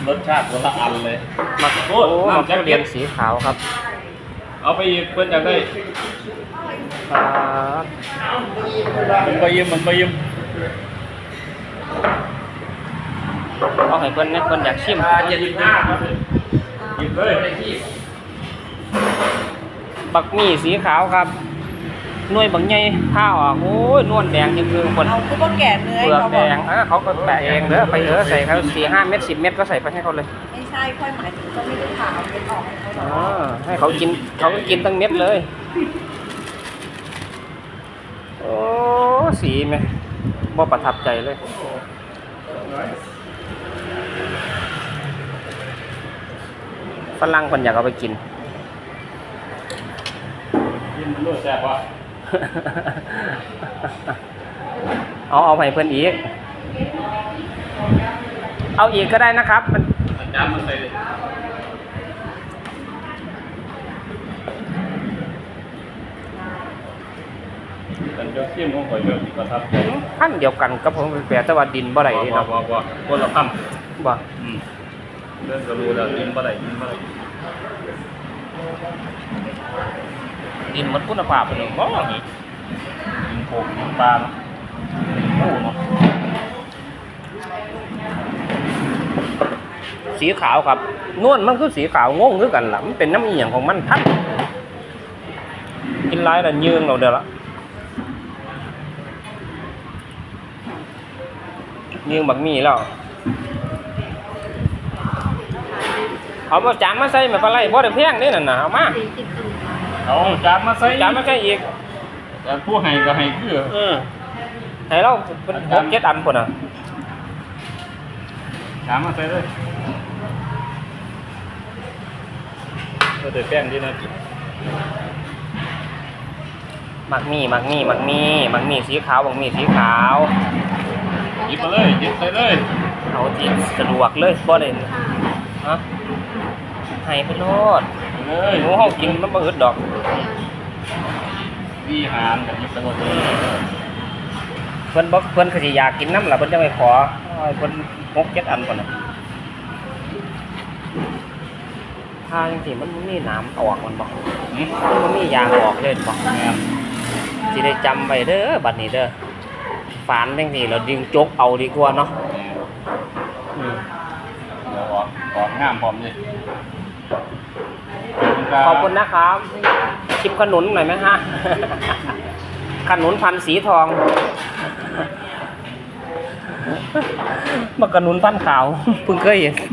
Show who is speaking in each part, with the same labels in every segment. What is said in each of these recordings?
Speaker 1: รสชาติคนละอันเลย
Speaker 2: มักโอ้มักทุเรียนสีขาวครับ
Speaker 1: เอาไปอีกเพื่อนอยากได้มันไปยิ้ม
Speaker 2: เอาให้เพื่อนเนี่ยเพื่อนอยากชิม
Speaker 1: 75ครับหยิบเลย
Speaker 2: บักหมี่สีขาวครับหน่วยบางใหญ่ผ้าออกโอ้ยนวลแดงจริงคือคน
Speaker 3: เอาคือพวกแก่เนื้อ
Speaker 2: เปลือกแดงเขาก็แปะเองเด้อไปใส่เขา4-5 เม็ด10 เม็ดก็ใส่ไปให้เขาเลย
Speaker 3: ไม่ใช่ค่อยหมายถึงก็ไม่ได้ผ่าเอาเป็นออกให้เขา
Speaker 2: ให้เขากินเขาก็กินตั้งเม็ดเลยโอ้สีไหมบ่ประทับใจเลยฝรั่งคนอยากเอาไปกิน
Speaker 1: มันรู้แซ่บวะ
Speaker 2: เอาไปเพื่อนอีกเอาอีกก็ได้นะครับมัน
Speaker 1: อาจารย์มาใส่เลยกันยกเสี้ยมของข่อยแบบประทับใจ
Speaker 2: ขั้นเดียวกันกับผมแปลแต่ว่าดินบ่ได้นี่เนาะ
Speaker 1: บ่คนละพัน
Speaker 2: บ่
Speaker 1: เรื่องก็รู้แล้วดินบ่ได้
Speaker 2: ดินมันคุณภาพเป็นบ่
Speaker 1: ดินโขกดินปลาโอ้เนาะ
Speaker 2: สีขาวครับนวลมันคือสีขาวงงคือกันล่ะมันเป็นน้ำอีหยังของมันทันกินหลายแล้วยืงเราเด้อละยืงบักหมี่แล้วเอามาจานมาใส่มาปลาไหลบ่ได้แพงเด้นั่นน่ะเอามา
Speaker 1: เอาจานมาใส่
Speaker 2: อีก
Speaker 1: แต่ผู้ให้ก็ให้คือ
Speaker 2: ให้เราเป็น6-7 อันพุ่นน่ะ
Speaker 1: จานมาใส่เลยเดี๋ยวแป้งดีนะ
Speaker 2: มักมี่สีขาวบักหมี่สีขาว
Speaker 1: หยิบมาเลยหยิบใส่เลย
Speaker 2: เอาที่สะดวกเลยบ่ได้ฮะให้ไปโลด
Speaker 1: เลย
Speaker 2: หมูเฮากินมันบ่อึดดอก
Speaker 1: วิหารกับหยิบไปหมดเลย
Speaker 2: เพิ่นก็สิอยากกินน้ำล่ะเพิ่นจังไปขอเพิ่น6-7 อันพุ่นน่ะถ้าจังซี่มันมีน้ำออกมันบ่มันมียางออกเลยบ่สิได้จำไว้เด้อบัดนี้เด้อฝานจังซี่เราดึงจกเอาดีกว่าเนาะ
Speaker 1: ออกงามพร้อมเลย
Speaker 2: ขอบคุณนะครับชิมขนุนหน่อยไหมฮะขนุนพันสีทองมากระนุนพันขาวเพิ่งเคยเห็น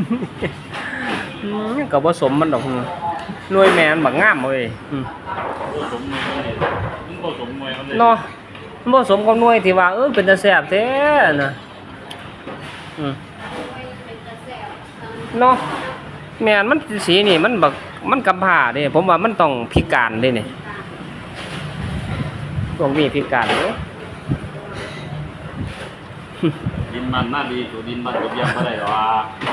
Speaker 2: กับผสมมันดอกหน่วยแมนบักงามเลยเนาะผสมกับหน่วยที่ว่าเป็นตะแซ่บแท้นะเนาะแมนมันสีนี่มันแบบมันกำผ่าเด้ผมว่ามันต้องพิการเด้เนี่ยต้องมีพิการเด้
Speaker 1: ดินมันน่าดีตัวดินมันกับยำอะไรหรอ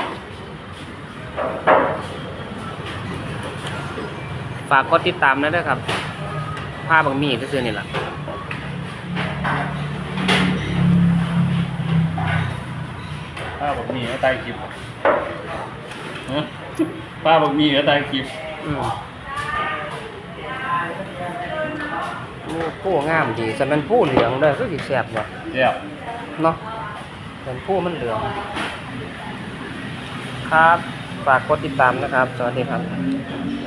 Speaker 2: ฝากกดติดตามนะด้วยครับภาพบางมีก็คือนี่แหละ
Speaker 1: ป้าบอกมีก็ตายคลิปป้าบอกมีก็ตายคลิป
Speaker 2: ผู้งามดีแต่มันผู้เหลืองเลยก็สีแสบว่ะ
Speaker 1: แซ่บ
Speaker 2: เนาะเป็นผู้มันเหลืองครับฝากกดติดตามนะครับสวัสดีครับ